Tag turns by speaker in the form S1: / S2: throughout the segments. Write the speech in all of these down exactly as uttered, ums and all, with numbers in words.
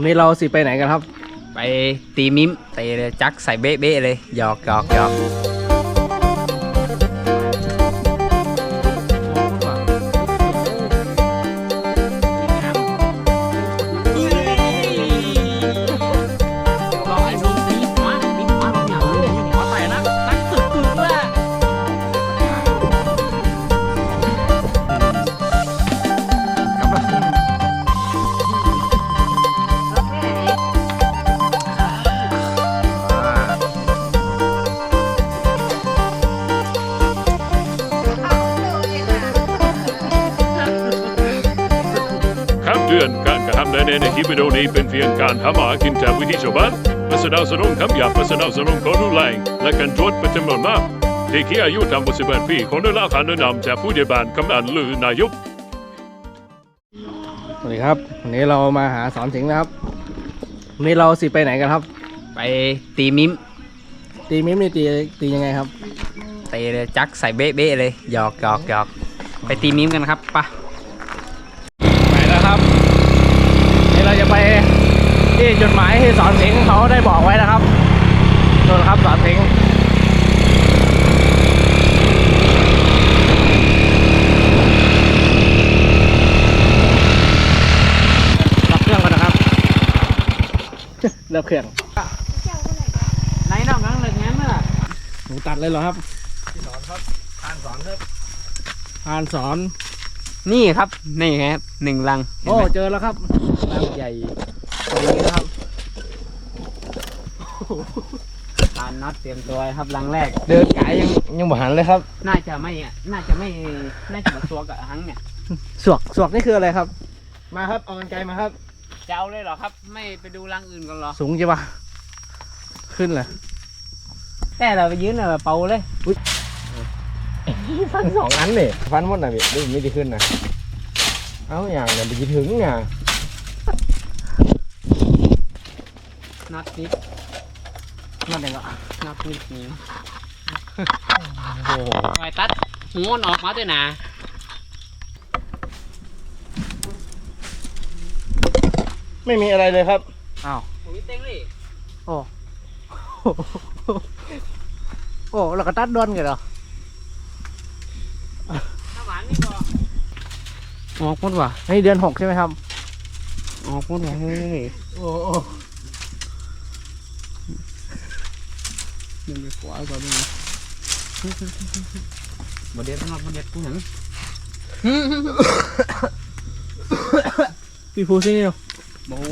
S1: นี่เราสิไปไหนกันครับ
S2: ไปตีมิมเตะเลยจักใส่เบ๊ะเบ๊ะเลยหยอกหยอกหยอก
S3: เตือนการกระทำใดในคลิปวิดีโอนี้เป็นเพียงการทำอาหารกินจากวิธีชาวบ้านและสนับสนุนคำหยาบและสนับสนุนการรุนแรงและการโจทย์เป็นจำนวนมากที่ที่อายุต่ำกว่าสิบแปดปีของได้รับการแนะนำจากผู้ใหญ่บ้านกำนันหรือนายก
S1: สวัสดีครับวันนี้เรามาหาสอนสิงห์นะครับวันนี้เราสิไปไหนกันครับ
S2: ไปตีมิม
S1: ตีมิมนี่ตีตียังไงครับ
S2: เตะเลยจักใส่เบ๊ะเบ๊ะเลยหยอกหยอกหยอกไปตีมิมกันครับปะ
S1: ไปแล้วครับนี่เราจะไปที่จุดหมายที่สอนสิงห์เขาได้บอกไว้นะครับโน่นครับสอนสิงห์รับเครื่องก่อนนะครับเลิกเครื่อง
S2: ไหนน้องนั่งเลยงั้นน่ะ
S1: หนูตัดเลยเหรอครับที่สอนครับพานสอนครับพานสอน
S2: นี่ครับนี่ครับหนึ่งลัง
S1: โอ้เจอแล้วครับลังใหญ่ตรงนี้นะครับ
S2: ทานน็อตเตรียมตัวครับลังแรก
S1: เดินไกลยังยังบ่หันเลยครับ
S2: น่าจะไม่น่าจะไม่น่าจะมาสวกกับหังเนี่ย
S1: สวกสวกนี่คืออะไรครับมาครับเอากันไกลมาครับ
S2: จะเอาเลยเหรอครับไม่ไปดูรังอื่นกันหรอ
S1: สูงใช่ปะขึ้นเลย
S2: แต่เราไปยืนเลยเป่าเลย
S1: ฟันสองอันเนี่ยฟันหมดนะพี่ดูไม่ได้ขึ้นนะเอาอย่างเนี่ยไปยืนถึงไง
S2: นัดนิด
S1: นัดไหนก็
S2: นัดนิดนี้โอ้โหไปตัดหัวออกมาด้วยนะ
S1: ไม่มีอะไรเลยครับ
S2: อ้าวผมเต็งเลย
S1: โอ้โอ้เราก็ตัดด้วนกันเหรอ
S2: ออกหมดว่ะ
S1: ให้เดือนหกใช่ไหมครับ
S2: ออกหมดว่ะเฮ้ย
S1: โอ้โห
S2: เดินไปขวาก่อนเลยบดเด็ดนอดบดเด็ดกูหนัง
S1: พี่ฟูซี่เนาะ
S2: โบ้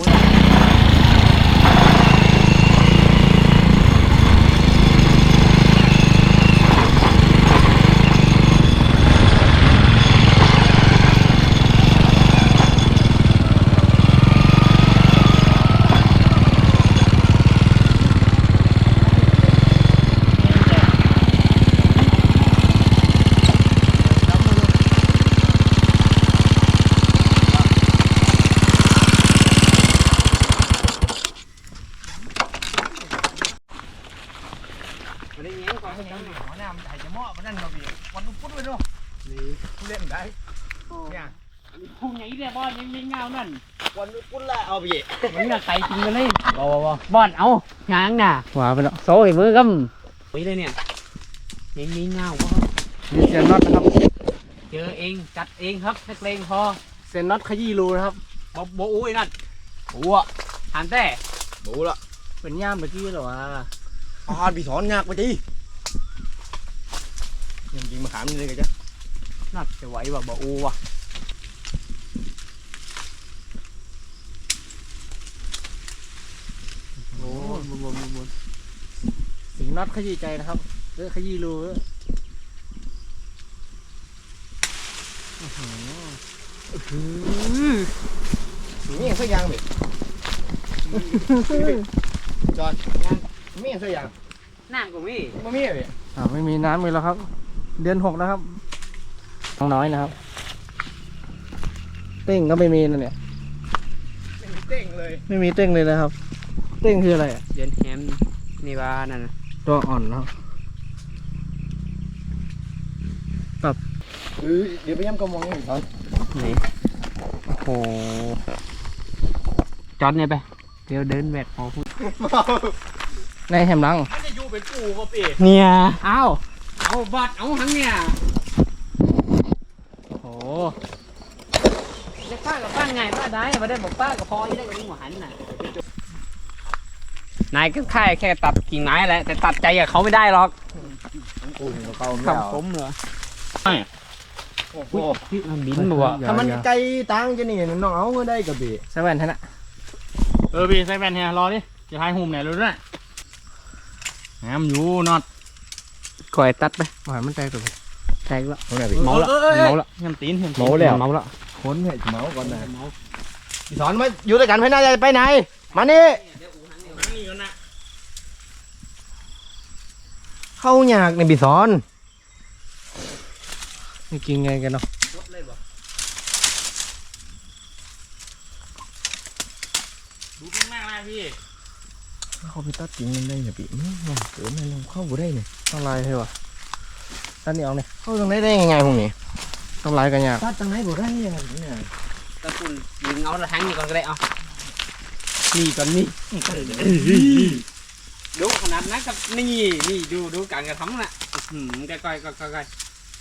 S1: เล่นได้
S2: เนี่ยพุ่งอย่างนี้เนี่ยบอลยังไม่เงานั่น
S1: วันนี้ปุ้นละเอาไปเยอะ
S2: มันน่ะใส่จริงกันเลยบอลบอลเอาหางน่ะ
S1: ว้าไปแล้ว
S2: โซ่มือกำไปเลยเนี่ยยังมีเงาวะ
S1: นี่เซนน็อตนะครับ
S2: เจอเองจัดเองครับนักเลงพอ
S1: เซนน็อตขยี้รูนะครับ
S2: บอโบอุ้ยนั่นบัวหันแต่
S1: บัวละเป็นย่ามเมื่อกี้หรอวะ
S4: อ่านพี่สอนยากไปจียังจริงมาขามนี่เลยกันจ้ะ
S2: น่าจะไหวว่ะบ่อูว่ะ
S1: โอ้บนบนบนสิงน็อตขยี้ใจนะครับเออขยี้รู
S4: นี่สักอย่างเลยจอนนี่สักอย่าง
S2: น้ำก็มี
S4: ไม่มีเลย
S1: อ่าไม่มีน้ำเลยแล้วครับเดือนหกนะครับน้อยนะครับเต้งก็ไม่มีนั่นเนี่ย
S4: ไม่มีเต้งเลย
S1: ไม่มีเต้งเลยนะครับเต้งคืออะไรอ่ะ
S2: เดือนแฮมนี่ว่านั่น
S1: ตัวอ่อนนะครับตับ
S4: เออเดี๋ยวไปย้ำกระมองนี่ก่อน
S2: นี่โอ้โหจอดเนี่ยไปเดี๋ยวเดินแบกพอพูด
S1: ในแฮมลัง
S4: มันจะอยู่เป็นปูก็ปี
S2: เนี่ยเอาเอาบัตรเอาทั้งเนี่ย
S1: โอ้
S2: จะป้ากับป้าไงป้าได้มาได้บอกป้ากับพอยังได้กับลุงหันน่ะนายก็แค่แค่ตัดกิ่งไม้แหละแต่ตัดใจกับเขาไม่ได้หรอก
S4: ปูนกับเก่าไม่
S2: ขับ
S4: เอา
S2: ผมเหรอ
S4: โอ้โห
S2: มันบินบ่วะ
S4: ถ้ามันไกลตังจะนี่น้องเอาก็ได้กับปี
S1: ใส่แว่นท่านนะ
S5: เออพี่ใส่แว่นเฮียรอดิจะทายหุ่มเนี่ยรู้ด้วยงามอยู่นอด
S2: ก่อยตัดไป
S1: หวานมันใจตัว
S2: แตกแล้ว
S4: เอาไหนพี่
S5: เมาละ
S2: เมาละ
S5: เงินตีนเงินตีน
S4: เมาแล้ว
S2: เมาละ
S4: ค้นให้เมาก่อนนะพี่สอนมาอยู่ด้วยกันไปไหนไปไหนมานี่เข้าอยากในพี่สอน
S1: นี่กินไงกันเนาะ
S5: ดูข้างหน้าได้พี่
S4: เข้าไปตัดจริงได้เนี่ยพี่อื้อเกิดมันเข้าบ่ได้เนี่ย
S1: ต้องลายให้วะตัดนี่เอาเนี่ย
S4: เข้าตรงไหนได้ยังไงพวกนี้
S1: ต้องลายกันยาก
S4: ตัดตรงไหนบ่ได้เนี่ยเนี่ย
S2: ตะกุนยิงเอาละทั้งนี้ก่อนก็ได้เอานี่ก่อนนี่ดูขนาดนั้นกับนี่นี่ดูดูการกระทำน่ะอืมใกล้ๆใกล้ๆใกล้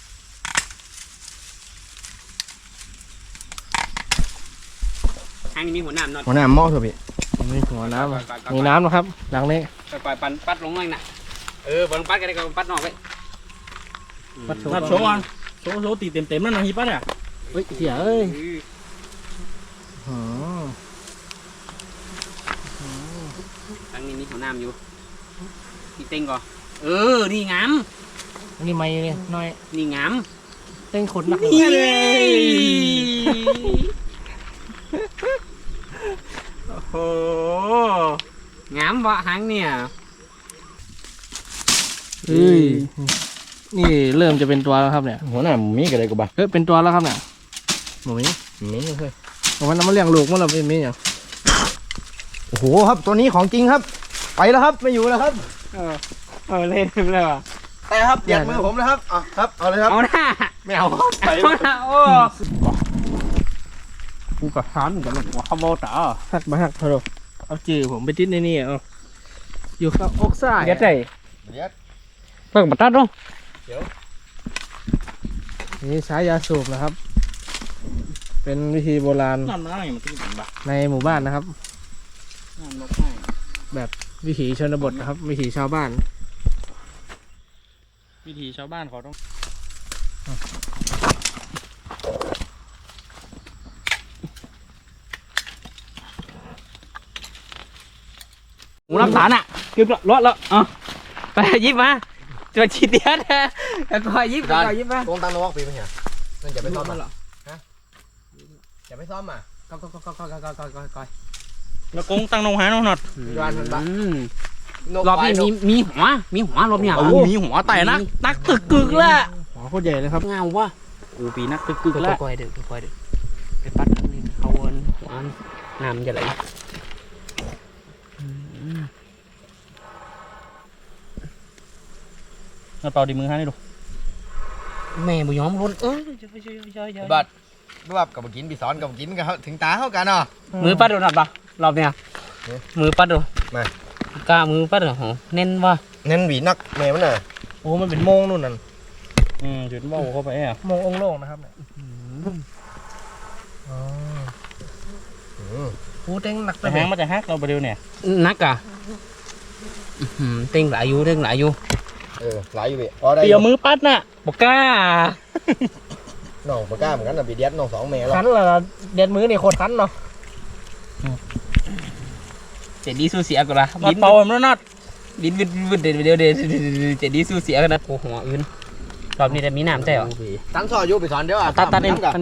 S2: ๆทางนี้มีหัวหน้าหน่อย
S4: หัวหน้าหม้อเถอะพี่
S1: มีหัวน้ำอะมีน้ำนะครับหลังนี้
S2: ปล่อยปันปัดลงเลยน่ะเออบอลปัดกันได้ก็ปัดนอกไป
S1: ปัดโชว์
S5: นัดโชว์ก่อนโชว์โชว์ตีเต็มเต็มๆนั่นนะฮิปปะเนี่ย
S1: เฮ้ยเสียเอ้ยอ๋อ
S2: ทางนี้มีหัวหน้าอยู่นี่เต็งก่อนเออนี่งาม
S1: อันนี้ไม่เนี่ยน้อย
S2: นี่งาม
S1: เต้นขนหนัก
S2: นี่โอ้โหงามวะหางเนี่ย
S1: เฮ้ยนี่เริ่มจะเป็นตัวแล้วครับเนี่ย
S4: หัวหน้ามีกันเลยกูบ้า
S1: เฮ้ยเป็นตัวแล้วครับเนี่ยหมูมี
S4: มีเลย
S1: ผมว่าน้ำมันเลี้ยงลูกมันเราเป็นมีอย่าง
S4: โอ้โหครับตัวนี้ของจริงครับ ไปแล้วครับไม่อยู่แล้วครับ
S2: เออเออเล่นเลยว่ะ
S4: แต่ครับเปียกมือผมแล้วครับอ่ะครับเอาเลยครับ
S2: เอาหน้า
S4: ไม่เอาครับไป
S2: เอาหน้าโอ้
S5: กูกับฮันกับหัวขโมยต่อ
S1: หักมาหักเถอะเอาจือผมไปติดในนี่เอาอยู่กับอกซ้าย
S2: เดี๋ยวใจ
S4: เดี๋ยว
S2: เพิ่งมาตัดลง
S1: นี่ใช้ยาสูบนะครับ เป็นวิธีโบราณ
S5: นั่นนะอย่างมันตีนบ้า
S1: ในหมู่บ้านนะครับ
S5: นั่นนกให้
S1: แบบวิถีชนบทนะครับ วิถีชาวบ้าน
S5: วิธีชาวบ้านเขาต้อง
S2: หมูน้ำตาลอ่ะคือรถแล้วอ๋อไปยิบมาตัวชีเดียดแล้วก็ยิบแล้วก็ยิบมา
S4: โกงตังนอกปีมั้ยเนี่ยนั่นจะไปซ่อมอ่ะฮะจะไปซ่อมอ่ะ
S2: ก็ก็ก็ก็ก็ก็ก็ก็ก็
S5: แล้วกงตั้งนงหาน้องนอด
S4: ย้อนมันบ้าง
S2: รอบนี้มีมีหัวมีหัวรอบเนี่ย
S5: โอ้มีหัวไต่นักนักตึกกึกแล้ว
S1: หัวโคตรใหญ่เลยครับ
S2: เงาวะ
S5: โอ้ปีนักตึกกึก
S2: ก็
S5: แล้ว
S2: ค่อยเด้อค่อยเด้อไปปัดทางนี้เขาวนหัวน้ำจะไหล
S5: เราเป่าดีมือให้ดู
S2: แม่บุยอมล้นเอ้ย
S4: บัดบัดกับกินปีสอนกับกินกันถึงตาเข้ากันเนาะ
S2: มือปัดโดนหนัดปะรอบเนี้ยมือปัดโดน
S4: มา
S2: กล้ามือปัดเหรอโหเน้นว่ะ
S4: เน้นหวีนักแม่มันน่ะ
S1: โอ้มันเป็นโมงนู่นนั่น
S5: อืมจุดเบ้าเข้าไปอ่ะ
S1: โมงองค์โล่งนะครับเนี่ยอ๋อโอ้เต้งหนักไป
S5: แต่
S1: ไห
S5: หางมันจะฮักเราไปเดียวเนี่ย
S2: นักอ่ะเต็งหลายอยู่เต็งหลายอยู่
S4: เออหลายอยู่พี่พอได้
S5: เปียวมือปัดน่ะ
S2: บอกกล้า
S4: น้องปากกาเหมือนกันนะปีเดียดน้องสองแม่แล้ว
S1: คันเหรอเด็ดมือนี่โคตรคันเนาะ
S2: เจ็ดดีสู้เสียกันละ
S5: นอดเป่ามันนอด
S2: บินบินบินเดี๋ยวเดี๋ยวเดี๋ยวเจ็ดดีสู้เสียกันนะโอ้โหอื่นรอบนี้จะมีน้ำใช่เหรอ
S4: ตั้งซอยอยู่ปีสอนเดี๋ยวอ่ะ
S2: ตัดตัดเอง
S4: กัน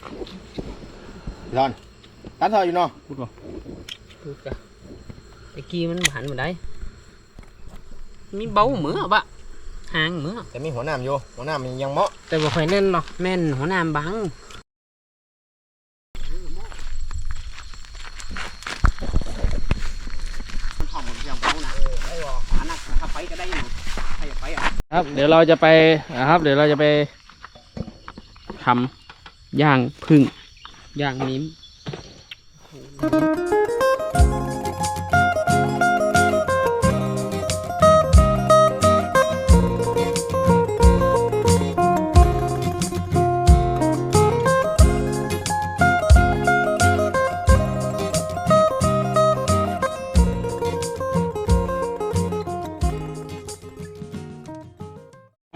S4: สอนตั้งซอยอยู่เนาะ
S5: พูดว่า
S2: ไอ้กี้มันหันมาได้มีเบาเหมือบะหางเหมือ
S4: แต่มีหัวหน้ำอยู่หัวหน้ำมันยังเหมาะ
S1: แต่บ่ค่อยแน่นเนาะ
S2: แม่นหัวหน้าบังมันหอมหมดอย่างเบานะหานักถ้าไปก็ได้นะถ้าอยากไปอ่ะ
S1: ครับ เดี๋ยวเราจะไปนะครับ เดี๋ยวเราจะไป
S2: ทำย่างพึ่งย่างนิ้ม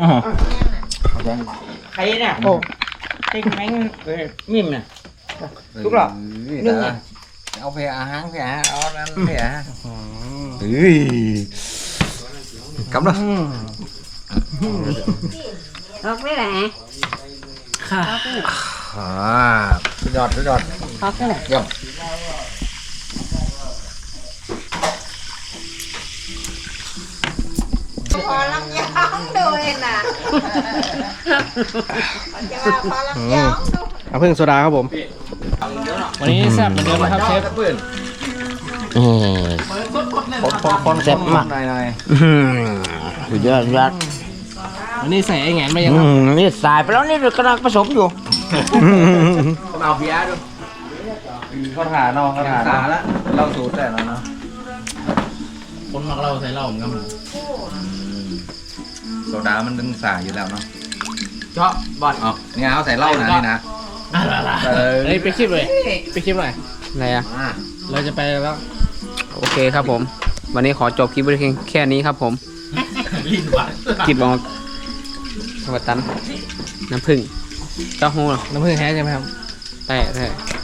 S2: อ๋อใครเนี่ยโอ้ไอ้แมงมิมเนี่ยทุกหรอเรื่องเนี่ยเอาไปอาหารไปอาหารเอานั่นไปอาหารเฮ้ยกำลัง
S6: Khóc đấy nè.
S2: ค่ะ
S4: อ่าสุดยอดสุดยอด
S6: Khóc đấy nè.
S4: เยี่ยม
S6: Phò lắm giống đuôi nè. Phò lắm giống đuôi.
S1: น้ำผึ้งโซดาครับผม วันนี้แซ่บเหมือนเดิมนะครับเชฟ
S2: คนเจ็บมากสุดยอดสุดยอด
S1: วันนี้ใส่ไอ้แหงนไปยังครับ
S2: นี่สายไปแล้วนี่กำลังผสมอยู่
S4: เอาเบียร์ดูเขาถ่าเนาะเขาถ่าถ่าแล้วเราสูตรแต่แล้วเนาะ
S5: คนมักเราใส่เหล้าเหมือนกัน
S4: โซดามันดึงสายอยู่แล้วเนาะ
S2: เจาะบอล
S4: อ๋อเนี่ยเขาใส่เหล้านะนี่นะเออ
S1: เฮ้ยไปคลิปเลยไปคลิปหน่อย
S2: อะไรอ่ะ
S4: อ่า
S1: เราจะไปแล้ว
S2: โอเคครับผม วันนี้ขอจบคลิปไว้เพียงแค่นี้ครับผมคลิปออกสวัสดีน้ำผึ้งเต้าหู้
S1: น้ำผึ้งแท้ใช่ไหมครับ
S2: ใช่ใช่